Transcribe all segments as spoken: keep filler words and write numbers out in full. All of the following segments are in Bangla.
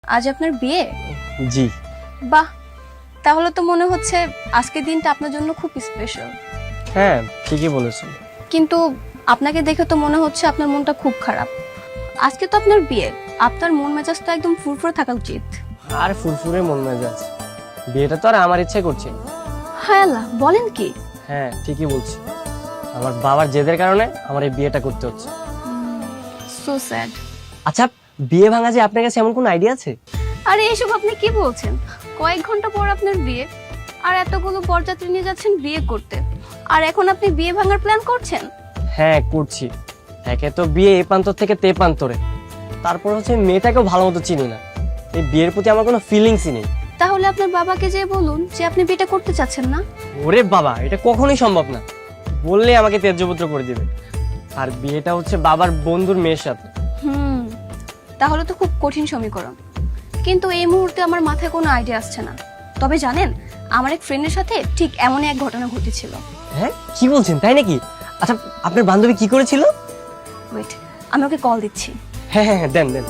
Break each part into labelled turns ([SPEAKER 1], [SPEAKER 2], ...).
[SPEAKER 1] আজ আপনার বিয়ে?
[SPEAKER 2] জি।
[SPEAKER 1] বাহ, তাহলে তো মনে হচ্ছে আজকের দিনটা আপনার জন্য খুব স্পেশাল।
[SPEAKER 2] হ্যাঁ ঠিকই বলেছেন।
[SPEAKER 1] কিন্তু আপনাকে দেখে তো মনে হচ্ছে আপনার মনটা খুব খারাপ। আজকে তো আপনার বিয়ে, আপনার মন মেজাজ তো একদম ফুরফুরে থাকা উচিত।
[SPEAKER 2] আর ফুরফুরে মন মেজাজ, বিয়েটা তো আর আমার ইচ্ছে করছে।
[SPEAKER 1] হায় আল্লাহ, বলেন কি?
[SPEAKER 2] হ্যাঁ ঠিকই বলছি, আমার বাবার জেদের কারণে আমার এই বিয়েটা করতে হচ্ছে।
[SPEAKER 1] So sad.
[SPEAKER 2] আচ্ছা, বিয়ে ভাঙা যে আপনার কাছে এমন কোন আইডিয়া আছে?
[SPEAKER 1] আরে এসব আপনি কি বলছেন? কয়েক ঘন্টা পর আপনার বিয়ে, আর এতগুলো বরযাত্রী নিয়ে যাচ্ছেন বিয়ে করতে, আর এখন আপনি বিয়ে ভাঙার প্ল্যান করছেন?
[SPEAKER 2] হ্যাঁ করছি। একে তো বিয়ে এ প্রান্তর থেকে তে প্রান্তরে, তারপর হচ্ছে মেয়েটাকেও ভালো মতো চিনি না, এই বিয়ের প্রতি আমার কোনো ফিলিংসই নেই।
[SPEAKER 1] তাহলে আপনার বাবাকে যে বলুন যে আপনি বিয়েটা করতে চাচ্ছেন না।
[SPEAKER 2] ওরে বাবা, এটা কখনোই সম্ভব না, বললে আমাকে ত্যায্যপুত্র করে দিবে। আর বিয়েটা হচ্ছে বাবার বন্ধুর মেয়ের সাথে।
[SPEAKER 1] হুম, তাহলে তো খুব কঠিন সমীকরণ। কিন্তু এই মুহূর্তে আমার মাথায় কোনো আইডিয়া আসছে না। তবে জানেন, আমার এক ফ্রেন্ডের সাথে ঠিক এমনই এক ঘটনা ঘটেছিল।
[SPEAKER 2] হ্যাঁ কি বলছেন, তাই নাকি? আচ্ছা, আপনার বান্ধবী কি করেছিল?
[SPEAKER 1] ওয়েট, আমি ওকে কল দিচ্ছি।
[SPEAKER 2] হ্যাঁ হ্যাঁ হ্যাঁ, দেন দেন।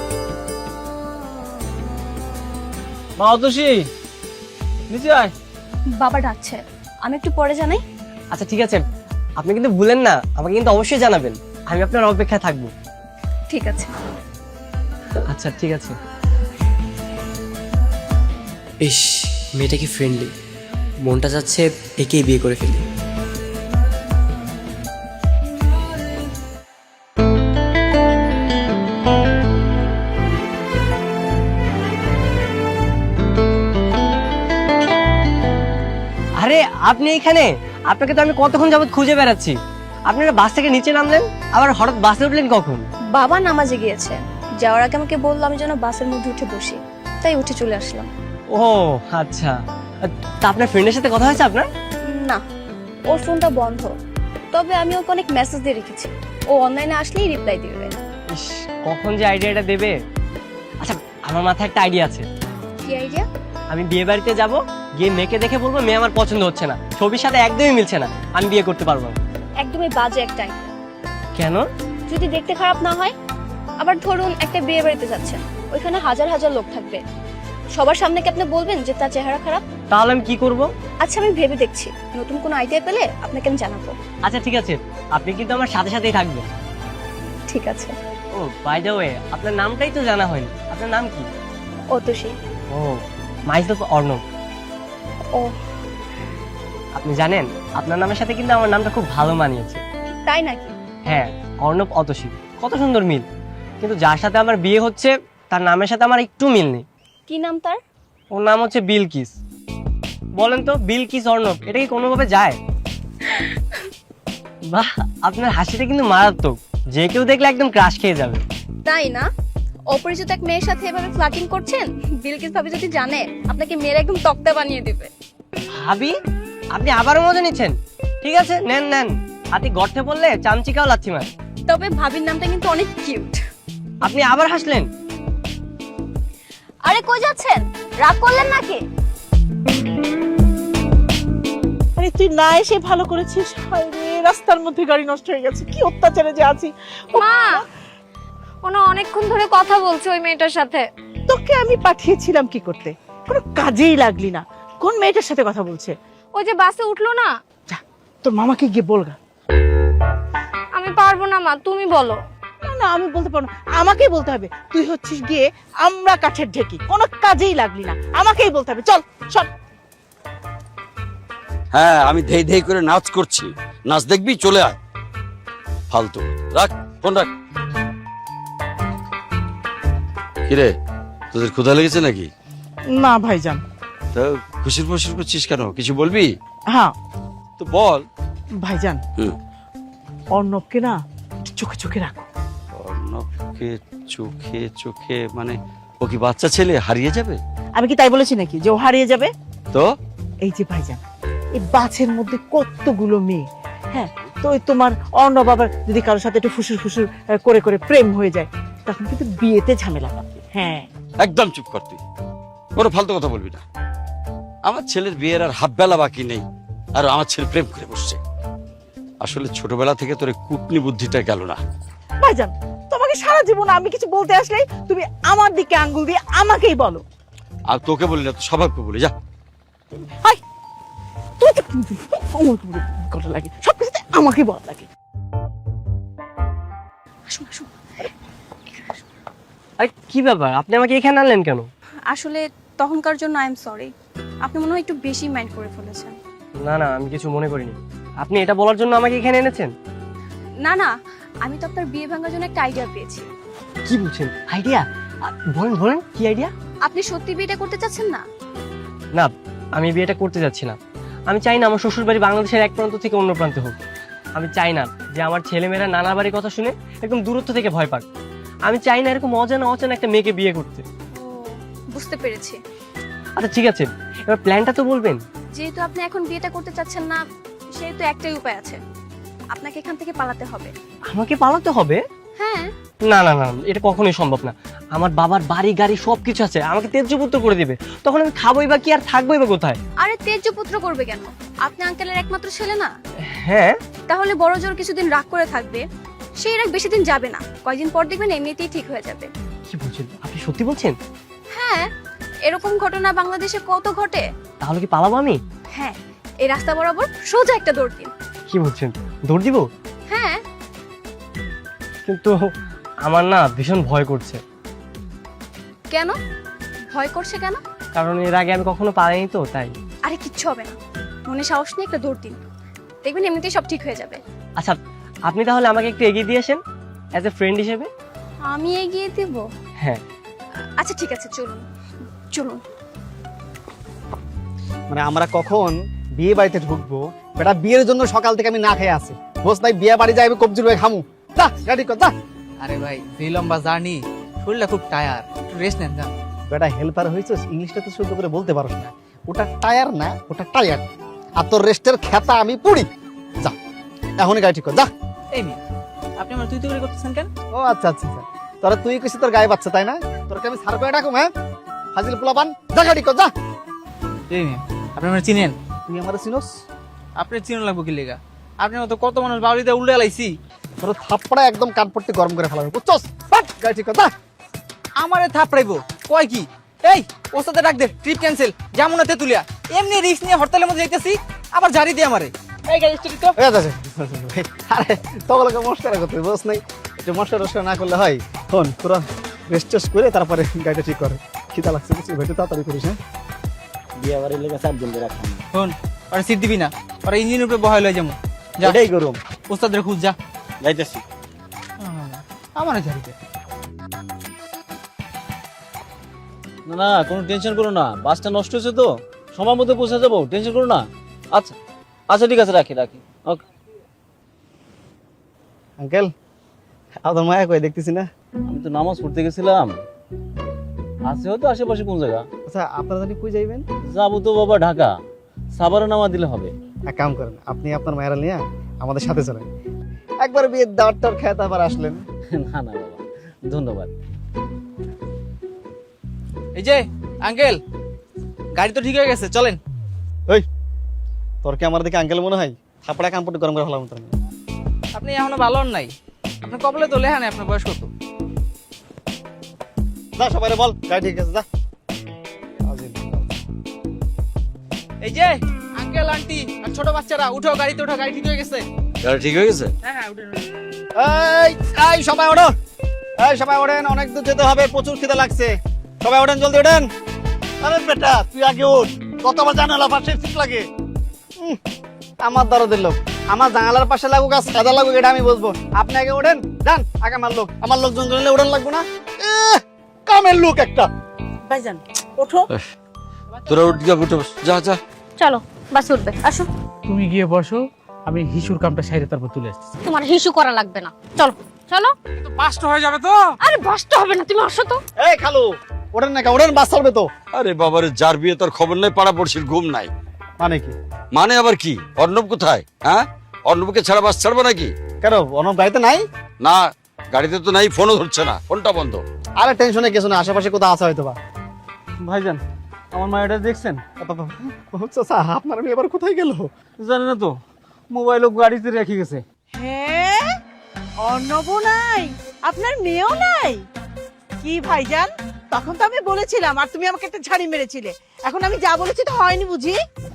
[SPEAKER 3] মা অতসী, নিচে আয়।
[SPEAKER 1] বাবা ডাকছে, আমি একটু পরে জানাই।
[SPEAKER 2] আচ্ছা ঠিক আছে, আপনি কিন্তু ভুলেন না, আমাকে কিন্তু অবশ্যই জানাবেন, আমি আপনার অপেক্ষায় থাকবো।
[SPEAKER 1] ঠিক আছে।
[SPEAKER 2] আচ্ছা ঠিক আছে। ইস, মেয়েটা কি ফ্রেন্ডলি, মনটা যাচ্ছে একেই বিয়ে করে ফেলি। আরে আপনি এখানে? আপনাকে তো আমি কতক্ষণ যাবত খুঁজে বেড়াচ্ছি। আপনারা বাস থেকে নিচে নামলেন, আবার হঠাৎ বাসে উঠলেন কখন?
[SPEAKER 1] বাবা নামাজে গিয়েছে, যাওয়ার আগে আমাকে বললো আমি যেন বাসের মধ্যে উঠে বসি, তাই উঠে চলে আসলাম।
[SPEAKER 2] ও আচ্ছা, তা আপনার ফ্রেন্ডের সাথে কথা হয়েছে আপনার?
[SPEAKER 1] না, ওর ফোনটা বন্ধ, তবে আমি ওকে অনেক মেসেজ দিয়ে রেখেছি, ও অনলাইনে আসলেই রিপ্লাই দিবে।
[SPEAKER 2] ইস, কখন যে আইডিয়াটা দেবে। আচ্ছা, আমার মাথায় একটা আইডিয়া আছে।
[SPEAKER 1] কি আইডিয়া?
[SPEAKER 2] আমি বিয়ে বাড়িতে যাব, গিয়ে মেয়েকে দেখে বলবো মেয়ে আমার পছন্দ হচ্ছে না, ছবির সাথে একদমই মিলছে না, আমি বিয়ে করতে পারবো না।
[SPEAKER 1] একদমই বাজে একটা আইডিয়া।
[SPEAKER 2] কেন?
[SPEAKER 1] যদি দেখতে খারাপ না হয়। আবার ধরুন একটা বিয়ে বাড়িতে যাচ্ছেন, ওইখানে হাজার হাজার লোক থাকবে, সবার সামনে কি আপনি বলবেন যে তার চেহারা খারাপ?
[SPEAKER 2] তাহলে আমি কি করব?
[SPEAKER 1] আচ্ছা, আমি ভেবে দেখছি, নতুন কোনো আইডিয়া পেলে আপনাকে আমি জানাবো।
[SPEAKER 2] আচ্ছা ঠিক আছে, আপনি কিন্তু আমার সাথে সাথেই থাকবেন।
[SPEAKER 1] ঠিক আছে।
[SPEAKER 2] ও বাই দ্য ওয়ে, আপনার নামটাই তো জানা হয়নি, আপনার নাম কি?
[SPEAKER 1] অতসী।
[SPEAKER 2] ও, মাইসেলফ অর্ণব।
[SPEAKER 1] ও,
[SPEAKER 2] আপনি জানেন, আপনার নামের সাথে কিন্তু আমার নামটা খুব ভালো মানিয়েছে।
[SPEAKER 1] তাই নাকি?
[SPEAKER 2] হ্যাঁ, অর্ণব অতসী, কত সুন্দর মিল। কিন্তু যার সাথে আমার বিয়ে হচ্ছে তার নামের সাথে আমার একটু মিল নেই।
[SPEAKER 1] কি নাম তার?
[SPEAKER 2] ওর নাম হচ্ছে বিলকিস। বলেন তো, বিলকিস অর্ণব, এটা কি কোনোভাবে যায়? বাহ, আপনার হাসিটা কিন্তু মারাত্মক, যে কেউ দেখলে একদম ক্রাশ খেয়ে যাবে।
[SPEAKER 1] তাই না? অপরিচিত এক মেয়ের সাথে এভাবে ফ্লার্টিং করছেন, বিলকিস ভাবি যদি জানে আপনাকে মেয়ের একদম তক্তা বানিয়ে দিবে।
[SPEAKER 2] ভাবি, আপনি আবারও মজা নিচ্ছেন? ঠিক আছে, নেন নেন, হাতি গর্তে পড়লে চামচিকাও লাচ্ছি মার।
[SPEAKER 1] তবে ভাবির নামটা কিন্তু অনেক কিউট।
[SPEAKER 2] আপনি আবার হাসলেন?
[SPEAKER 1] আরে কই যাচ্ছেন, রাগ করলেন নাকি?
[SPEAKER 4] আরে তুই না এসে ভালো করেছিস, হায় রে, রাস্তার মধ্যে গাড়ি নষ্ট হয়ে গেছে, কি অত্যাচারে যে আছি।
[SPEAKER 5] মা, ওনা অনেকক্ষণ ধরে কথা বলছে ওই মেয়েটার সাথে।
[SPEAKER 4] তোকে আমি পাঠিয়েছিলাম কি করতে, কোনো কাজেই লাগলি না। কোন মেয়েটার সাথে কথা বলছে?
[SPEAKER 5] ওই যে বাসে উঠলো না।
[SPEAKER 4] যা, তোর মামাকে গিয়ে বলগা।
[SPEAKER 5] আমি পারবো না মা, তুমি বলো।
[SPEAKER 4] না না, আমি বলতে পারবো না, আমাকেই বলতে হবে। তুই হচ্ছিস গিয়ে আমরা কাঠের ঢেকি, কোনো কাজেই লাগলি না, আমাকেই বলতে হবে। চল চল।
[SPEAKER 6] হ্যাঁ, আমি ধেই ধেই করে নাচ করছি, নাচ দেখবি, চলে আয়। ফালতু, রাখ ফোন রাখ। কিরে, তোদের ক্ষুধা লেগেছে নাকি?
[SPEAKER 4] না ভাইজান।
[SPEAKER 6] তা খুশির ফুসির করছিস কেন, কিছু বলবি?
[SPEAKER 4] হ্যাঁ
[SPEAKER 6] তো বল।
[SPEAKER 4] ভাইজান,
[SPEAKER 6] হুম।
[SPEAKER 4] অর্ণবকে না চোখে চোখে রাখো।
[SPEAKER 6] অর্ণবকে চোখে চোখে মানে ও কি বাচ্চা ছেলে, হারিয়ে যাবে?
[SPEAKER 4] আমি কি তাই বলেছি নাকি যে ও হারিয়ে যাবে?
[SPEAKER 6] তো
[SPEAKER 4] এই যে ভাইজান, এই বাছের মধ্যে কতগুলো মেয়ে, হ্যাঁ, তো ওই তোমার অর্ণব আবার যদি কারোর সাথে একটু ফুসুর ফুসুর আহ, করে করে প্রেম হয়ে যায়, তখন কিন্তু বিয়েতে ঝামেলা পাবে। হ্যাঁ,
[SPEAKER 6] একদম চুপ কর তুই, কোনো ফালতু কথা বলবি না। আমার ছেলের বিয়ের আর হাফ বেলা বাকি নেই, আর আমার ছেলে প্রেম করে বসছে। আসলে ছোটবেলা থেকে তোর এই কুটনি বুদ্ধিটা গেল না।
[SPEAKER 4] ভাইজান তোমাকে তোমাকে সারা জীবন আমি কিছু বলতে আসলে তুমি আমার দিকে আঙ্গুল দিয়ে আমাকেই বলো।
[SPEAKER 6] আর তোকে বলি না, তো সবাইকে বলি, যা।
[SPEAKER 4] হাই তুই তো আমার কথা লাগে, সব কিছুতে আমাকেই বলা লাগে।
[SPEAKER 1] আসুন আসুন।
[SPEAKER 2] আরে কি ব্যাপার, আপনি আমাকে এখানে আনলেন কেন?
[SPEAKER 1] আসলে তখনকার জন্য আই এম সরি। আপনি মনে হয় একটু বেশি মাইন্ড করে ফেলেছেন।
[SPEAKER 2] না না, আমি কিছু মনে করিনি। আপনি এটা বলার জন্য আমাকে এখানে এনেছেন?
[SPEAKER 1] না না, আমি তো আপনার বিয়ে ভাঙার জন্য একটা আইডিয়া পেয়েছি।
[SPEAKER 2] কি বলছেন? আইডিয়া? বলেন বলেন, কি আইডিয়া?
[SPEAKER 1] আপনি সত্যি বিয়েটা করতে চাচ্ছেন না?
[SPEAKER 2] না, আমি বিয়েটা করতে যাচ্ছি না। আমি চাই না আমার শ্বশুর বাড়ি বাংলাদেশের এক প্রান্ত থেকে অন্য প্রান্তে হোক। আমি চাই না যে আমার ছেলেমেয়েরা নানা বাড়ির কথা শুনে একদম দূরত্ব থেকে ভয় পাক। আমি চাই না এরকম অজানা অজানা একটা মেয়েকে বিয়ে করতে।
[SPEAKER 1] ও, বুঝতে পেরেছি।
[SPEAKER 2] আচ্ছা ঠিক আছে, এবার প্ল্যানটা তো বলবেন।
[SPEAKER 1] যেহেতু আপনি এখন বিয়েটা করতে চাচ্ছেন না, সেহেতু একটাই উপায় আছে, আপনাকে এখান থেকে পালাতে হবে।
[SPEAKER 2] আমাকে পালাতে হবে?
[SPEAKER 1] হ্যাঁ।
[SPEAKER 2] না না না, এটা কখনোই সম্ভব না। আমার বাবার বাড়ি গাড়ি সবকিছু আছে, আমাকে তেজ্যপুত্র করে দিবে। তখন আমি খাবোই বা কি আর থাকবোই বা কোথায়?
[SPEAKER 1] আরে তেজ্য পুত্র করবে কেন? আপনি আঙ্কেলের একমাত্র ছেলে না?
[SPEAKER 2] হ্যাঁ।
[SPEAKER 1] তাহলে বড় জোর কিছুদিন রাগ করে থাকবে, সেই রাগ বেশি দিন যাবে না, কয়েকদিন পর দেখবেন এমনিতেই ঠিক হয়ে যাবে।
[SPEAKER 2] কি বলছেন আপনি? সত্যি বলছেন?
[SPEAKER 1] হ্যাঁ, এরকম ঘটনা বাংলাদেশে কত ঘটে।
[SPEAKER 2] তাহলে কি পালাবো আমি?
[SPEAKER 1] হ্যাঁ, এই রাস্তা বরাবর সোজা একটা দৌড় দিন।
[SPEAKER 2] কি বলছেন, দৌড় দিব?
[SPEAKER 1] হ্যাঁ।
[SPEAKER 2] কিন্তু আমার না ভীষণ ভয় করছে।
[SPEAKER 1] কেন ভয় করছে কেন?
[SPEAKER 2] কারণ এর আগে আমি কখনো পালাইনি তো, তাই।
[SPEAKER 1] আরে কিচ্ছু হবে না, মনে সাহস নিয়ে একটা দৌড় দিন, দেখবেন এমনিতেই সব ঠিক হয়ে যাবে।
[SPEAKER 2] আচ্ছা, আপনি তাহলে আমাকে একটু এগিয়ে দিয়ে আসেন অ্যাজ এ ফ্রেন্ড হিসেবে।
[SPEAKER 1] আমি এগিয়ে দেব?
[SPEAKER 2] হ্যাঁ।
[SPEAKER 1] আচ্ছা ঠিক আছে, চলুন চলুন।
[SPEAKER 3] মানে আমরা কখন বিয়ে বাড়িতে ঢুকবো, বেটা বিয়ের জন্য সকাল থেকে আমি না খেয়ে আছি। বস নাই বিয়ে বাড়ি যাইবে, কবজির ভাই খামু। যা গাড়ি কর, যা।
[SPEAKER 7] আরে ভাই, যে লম্বা জার্নি, শরীরটা খুব টায়ার, একটু রেস্ট নেন যান।
[SPEAKER 3] বেটা হেল্পার হয়েছিস, ইংলিশটা তো শুদ্ধ করে বলতে পারোস না। ওটা টায়ার না, ওটা টায়ার। আর তোর রেস্টের খেতা আমি পুড়ি। যা এখনই গাড়ি ঠিক কর, যা।
[SPEAKER 7] এই মেয়ে, আপনি আমার তুই তুই করে করতেছেন কেন?
[SPEAKER 3] ও আচ্ছা আচ্ছা আচ্ছা, তোরা তুই কইছিস তোর গায়ে বাচ্চা, তাই না? তোরকে আমি সার করে ডাকুম, হ্যাঁ? ফাজিল পোলাপান, যা গাড়ি কর, যা।
[SPEAKER 7] এই মেয়ে, আপনি আমার চিনেন?
[SPEAKER 3] তুই আমার চিনোস?
[SPEAKER 7] আপনি চিনো লাগবো কি লেগা? আপনি মতো কত মানুষ বাড়িতে উল্টে লাইছি।
[SPEAKER 3] তোর থাপ্পড়া একদম কানপট্টি গরম করে ফেলাবে, বুঝছস? বাট, গাড়ি ঠিক কর, যা।
[SPEAKER 7] আমারে থাপড়াইবো কয় কি? এই ওস্তাদে ডাক দে, ট্রিপ ক্যান্সেল, যামু না তেতুলিয়া। এমনি রিস্ক নিয়ে হরতালের মধ্যে যাইতেছি, আবার জারি দিয়ে আমারে। এই গাড়ি স্টার্ট তো।
[SPEAKER 3] এই আছে, আরে তোগুলোকে মস্কারা করতে বস নাই, একটু মস্কার রস্কার না করলে হয়। শোন, তোরা রেস্ট টেস্ট করে তারপরে গাড়িটা ঠিক করে। খিদা লাগছে কিছু, ভেটে তাড়াতাড়ি করিস, হ্যাঁ? বিয়ে বাড়ির লেগে চার দিন ধরে রাখলাম,
[SPEAKER 7] শোন, আরে সিট দিবি না, আরে ইঞ্জিনের উপরে বহাই লই যামু। যা,
[SPEAKER 3] এটাই গরম।
[SPEAKER 7] ওস্তাদের খুঁজ, যা।
[SPEAKER 3] যাইতেছি।
[SPEAKER 7] আমারে জারি দে।
[SPEAKER 8] না না, কোনো টেনশন করো না, বাসটা নষ্ট হয়েছে তো, সময় মতো পৌঁছে যাবো, টেনশন করো না। আচ্ছা আচ্ছা ঠিক আছে, রাখি রাখি ওকে।
[SPEAKER 3] আঙ্কেল, আপনার মায়া কই দেখতেছি না?
[SPEAKER 8] আমি তো নামাজ পড়তে গেছিলাম, আছে হয়তো আশেপাশে কোন জায়গা।
[SPEAKER 3] আচ্ছা, আপনারা জানি কই যাইবেন?
[SPEAKER 8] যাবো তো বাবা ঢাকা, সাবারে নামা দিলে হবে।
[SPEAKER 3] এক কাম করেন, আপনি আপনার মায়েরা নিয়ে আমাদের সাথে চলেন, একবার বিয়ের দাওয়াত টাওয়াত খেয়ে তারপর আসলেন।
[SPEAKER 8] না না বাবা, ধন্যবাদ।
[SPEAKER 7] এই যে আঙ্কেল, গাড়ি তো ঠিক হয়ে গেছে, চলেন।
[SPEAKER 3] ওই, তোর কি আমার দিকে আঙ্কেল মনে হয়? থাপড়া কানপট্টি গরম করে ফেলাম তোর।
[SPEAKER 7] আপনি এখনো ভালো হন নাই, আপনার কপালে তো লেখা নেই আপনার বয়স কত।
[SPEAKER 3] যা সবাই বল গাড়ি ঠিক আছে, যা।
[SPEAKER 7] এই যে আঙ্কেল আন্টি আর ছোট বাচ্চারা, উঠো গাড়িতে, উঠো, গাড়ি ঠিক হয়ে গেছে।
[SPEAKER 6] গাড়ি ঠিক হয়ে গেছে?
[SPEAKER 7] হ্যাঁ হ্যাঁ, উঠে
[SPEAKER 3] এই এই সবাই ওঠো, এই সবাই ওঠেন, অনেক দূর যেতে হবে, প্রচুর খিদে লাগছে। সবাই ওঠেন, জলদি ওঠেন। আরে বেটা তুই আগে ওঠ, কতবার জানালা পাশে সিট লাগে। উম, আমার দরদের লোক, আমার জানালার পাশে লাগুক আর সাদা লাগুক এটা আমি বুঝবো। আপনি আগে ওঠেন, যান আগে আমার লোক, আমার লোকজন জন্য ওঠেন লাগবো না। এহ, কামের লোক একটা।
[SPEAKER 4] ভাইজান ওঠো।
[SPEAKER 6] তোরা উঠ গিয়া উঠে বস, যা যা।
[SPEAKER 5] চলো বাস উঠবে, আসো।
[SPEAKER 9] তুমি গিয়ে বসো, আমি হিসুর কামটা সাইরে তারপর তুলে আসছি।
[SPEAKER 5] তোমার হিসু করা লাগবে না, চলো চলো।
[SPEAKER 9] পাঁচটা হয়ে যাবে তো?
[SPEAKER 5] আরে বাসটা হবে না, তুমি আসো তো।
[SPEAKER 3] এই খালু, ওঠেন না, ওঠেন, বাস চলবে তো।
[SPEAKER 6] আরে বাবারে, যার বিয়ে তোর খবর নাই, পাড়া পড়শির ঘুম নাই।
[SPEAKER 3] মানে কি?
[SPEAKER 6] মানে আবার কি? অর্ণব কোথায়? হ্যাঁ, অর্ণবকে ছাড়া বাস ছাড়বো নাকি?
[SPEAKER 3] কেন, অনব গাড়িতে নাই?
[SPEAKER 6] না, গাড়িতে তো নাই, ফোনও ধরছে না, ফোনটা বন্ধ।
[SPEAKER 3] আরে টেনশনে কিছু না, আশেপাশে কোথাও আছে হয়তো বা।
[SPEAKER 8] ভাইজান, আমার মায়েরা দেখছেন?
[SPEAKER 3] আপনার মেয়ে এবার কোথায় গেল?
[SPEAKER 8] জানি না তো, মোবাইল গাড়িতে রেখে গেছে।
[SPEAKER 4] হ্যাঁ, অর্ণব নাই? আপনার মেয়েও নাই? কি ভাইজান, তখন তো আমি বলেছিলাম আর তুমি আমাকে একটা ঝাড়ি মেরেছিলে। এখন আমি যা বলেছি তো হয়নি বুঝি?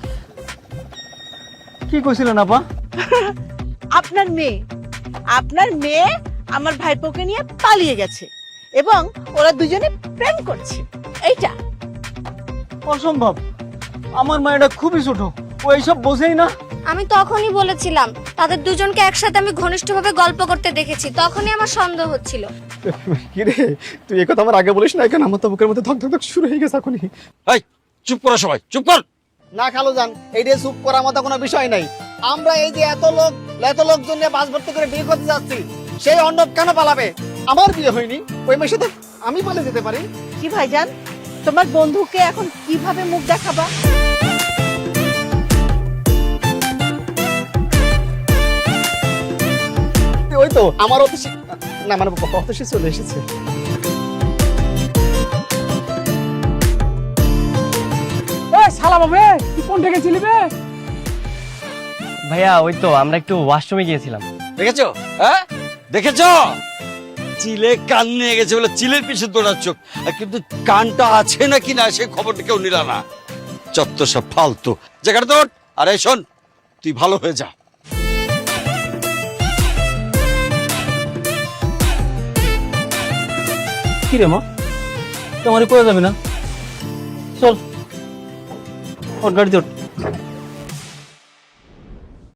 [SPEAKER 7] কি কইছিলেন আপা?
[SPEAKER 4] আপনার মেয়ে আপনার মেয়ে আমার ভাইপোকে নিয়ে পালিয়ে গেছে এবং ওরা দুজনে প্রেম করছে। এইটা
[SPEAKER 7] অসম্ভব, আমার মায়েরা খুবই ছোট, ও এইসব বোঝেই না।
[SPEAKER 5] আমি তখনই বলেছিলাম তাদের দুজনকে একসাথে আমি ঘনিষ্ঠভাবে গল্প করতে দেখেছি, তখনই আমার সন্দেহ হচ্ছিল।
[SPEAKER 3] কিরে তুই এই কথা আমার আগে বলিস না, কেন আমার তো বুকের মধ্যে ধক ধক ধক শুরু হয়ে গেছে এখনই।
[SPEAKER 6] এই চুপ করো সবাই, চুপ কর।
[SPEAKER 3] না খালু যান, এইটা চুপ করার মতো কোনো বিষয় নাই। আমরা এই যে এত লোক এত লোকজন নিয়ে বাস ভর্তি করে বিয়ে করতে যাচ্ছি, সেই অন্নব কেন পালাবে? আমার বিয়ে হয়নি, ওই মেয়ের সাথে আমি পালিয়ে যেতে পারি?
[SPEAKER 4] কি ভাইজান, তোমার বন্ধুকে এখন কিভাবে মুখ দেখাবা?
[SPEAKER 3] ওই তো আমার অতিশী না মানে অতিশী চলে এসেছে।
[SPEAKER 9] এ শালা বাবে, তুই কোন থেকে ছিলি বে?
[SPEAKER 2] ভাইয়া ওই তো আমরা একটু ওয়াশরুমে গিয়েছিলাম।
[SPEAKER 6] দেখেছো? হ্যাঁ দেখেছো? চিলে কান নিয়ে গেছে বলে চিলের পিছনে দৌড়াচ্ছ, আর কিন্তু কানটা আছে নাকি না সে খবরটা কেউ নিল না। চত্ব সব ফালতু জায়গাটা তোর। আরে শোন, তুই ভালো হয়ে যা।
[SPEAKER 8] কি রে মা, তোমার কয়ে যাবে না? চল ওর গাড়িতে ওঠ।